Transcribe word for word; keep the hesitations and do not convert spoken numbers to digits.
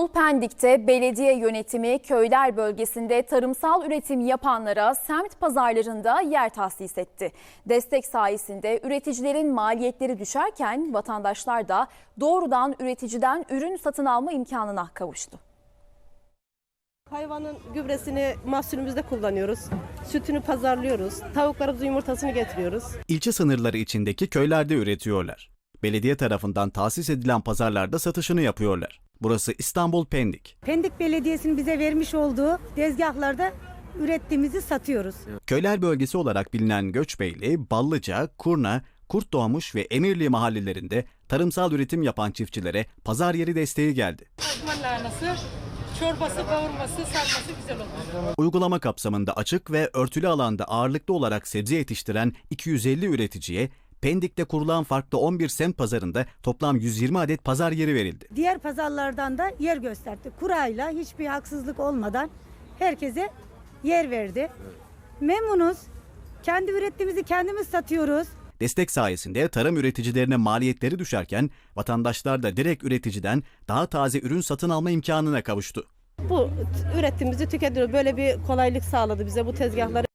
İstanbul Pendik'te belediye yönetimi köyler bölgesinde tarımsal üretim yapanlara semt pazarlarında yer tahsis etti. Destek sayesinde üreticilerin maliyetleri düşerken vatandaşlar da doğrudan üreticiden ürün satın alma imkanına kavuştu. Hayvanın gübresini mahsulümüzde kullanıyoruz. Sütünü pazarlıyoruz. Tavuklarımızın yumurtasını getiriyoruz. İlçe sınırları içindeki köylerde üretiyorlar. Belediye tarafından tahsis edilen pazarlarda satışını yapıyorlar. Burası İstanbul Pendik. Pendik Belediyesi'nin bize vermiş olduğu tezgahlarda ürettiğimizi satıyoruz. Köyler bölgesi olarak bilinen Göçbeyli, Ballıca, Kurna, Kurtdoğmuş ve Emirli mahallelerinde tarımsal üretim yapan çiftçilere pazar yeri desteği geldi. Osman lahanası, çorbası, kavurması, sarması güzel olur. Uygulama kapsamında açık ve örtülü alanda ağırlıklı olarak sebze yetiştiren iki yüz elli üreticiye Pendik'te kurulan farklı on bir semt pazarında toplam yüz yirmi adet pazar yeri verildi. Diğer pazarlardan da yer gösterdi. Kurayla hiçbir haksızlık olmadan herkese yer verdi. Memnunuz. Kendi ürettiğimizi kendimiz satıyoruz. Destek sayesinde tarım üreticilerine maliyetleri düşerken vatandaşlar da direkt üreticiden daha taze ürün satın alma imkanına kavuştu. Bu ürettiğimizi tüketiyoruz. Böyle bir kolaylık sağladı bize bu tezgahları.